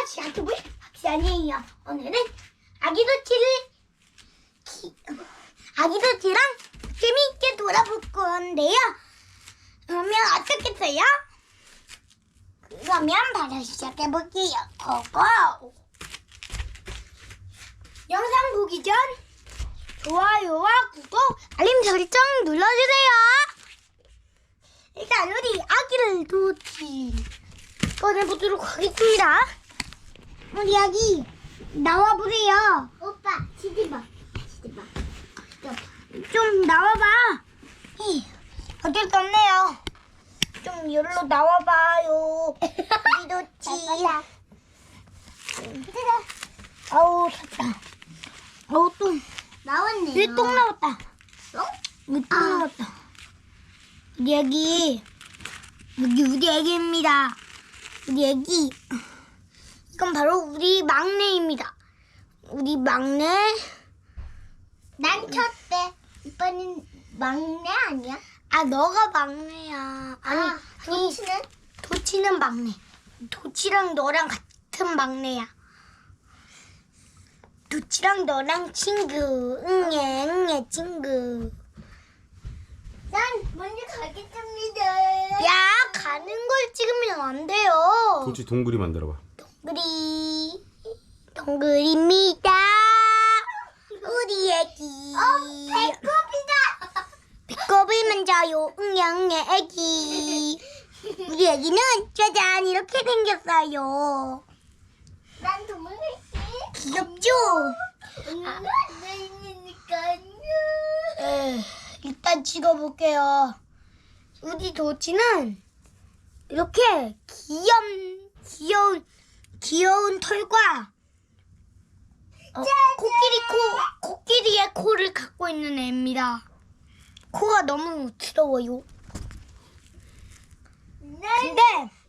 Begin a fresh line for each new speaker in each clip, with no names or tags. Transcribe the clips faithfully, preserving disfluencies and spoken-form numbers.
시작해볼 시간이에요. 오늘은 아기 도치를 기... 아기 도치랑 재미있게 돌아볼 건데요. 그러면 어떻겠어요? 그러면 바로 시작해볼게요. 고고! 영상 보기 전 좋아요와 구독, 알림 설정 눌러주세요. 일단 우리 아기를 도치 꺼내보도록 하겠습니다. 우리 아기 나와보세요. 오빠 치즈봐 치즈봐 좀 나와봐. 이 어쩔 수 없네요. 좀 여기로 나와봐요. 우리 도치. 아우 탔다. 아우 똥
나왔네요.
여기 똥 나왔다.
어?
여기 똥 나왔다. 우리 애기 여기 우리 애기입니다. 우리 애기 이건 바로 우리 막내입니다. 우리 막내.
난 첫째. 오빠는 막내 아니야?
아 너가 막내야. 아니
아, 도치는?
도치는 막내. 도치랑 너랑 같은 막내야. 도치랑 너랑 친구. 응애 응애 친구.
난 먼저 가겠습니다.
야 가는 걸 찍으면 안 돼요.
도치 동그리 만들어봐.
동그리 동그리입니다. 우리 애기.
어, 배꼽이다.
배꼽을 만져요. 응애 응애 애기. 우리 애기는 짜잔 이렇게 생겼어요.
난 도망갈게.
귀엽죠?
아, 나 있으니까요.
에, 일단 찍어볼게요. 우리 도치는 이렇게 귀염, 귀여운, 귀여운 털과 어, 코끼리 코, 코끼리의 코를 갖고 있는 애입니다. 코가 너무 귀여워요. 근데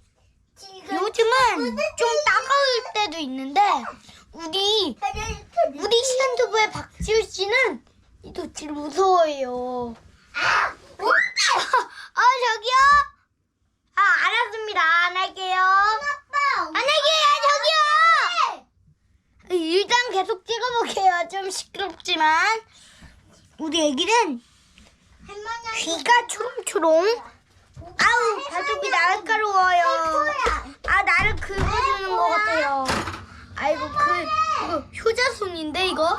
요즘은 좀 따가울 때도 있는데 우리 우리 시간투부의 박지우 씨는 이 도치를 무서워해요.
아,
아 저기요? 아 알았습니다. 안 할게요.
아빠.
안 할게요. 저기요. 일단 계속 찍어볼게요. 좀 시끄럽지만 우리 애기는 귀가 초롱초롱. 아우 발톱이 날카로워요. 아 나를 긁어주는 것 같아요. 아이고 그 이거 효자손인데 이거.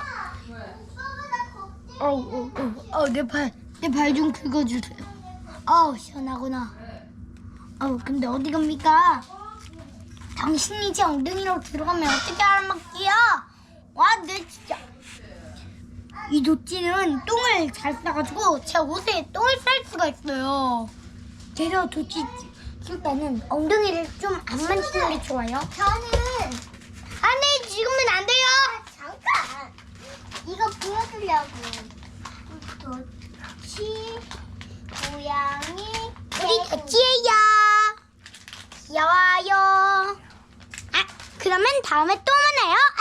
어우 어내 발 내 발 좀 긁어주세요. 아우 시원하구나. 아우 근데 어디 갑니까? 당신이 제 엉덩이로 들어가면 어떻게 알아먹기요? 와 내 진짜 이 도치는 똥을 잘 싸가지고 제 옷에 똥을 쌀 수가 있어요. 그래서 도치 일단은 엉덩이를 좀 안 만지는 게 좋아요.
저는
안돼 지금은 안 돼요.
아, 잠깐. 이거 보여주려고. 도치, 고양이,
우리 도치예요. 귀여워요. 아 그러면 다음에 또 만나요.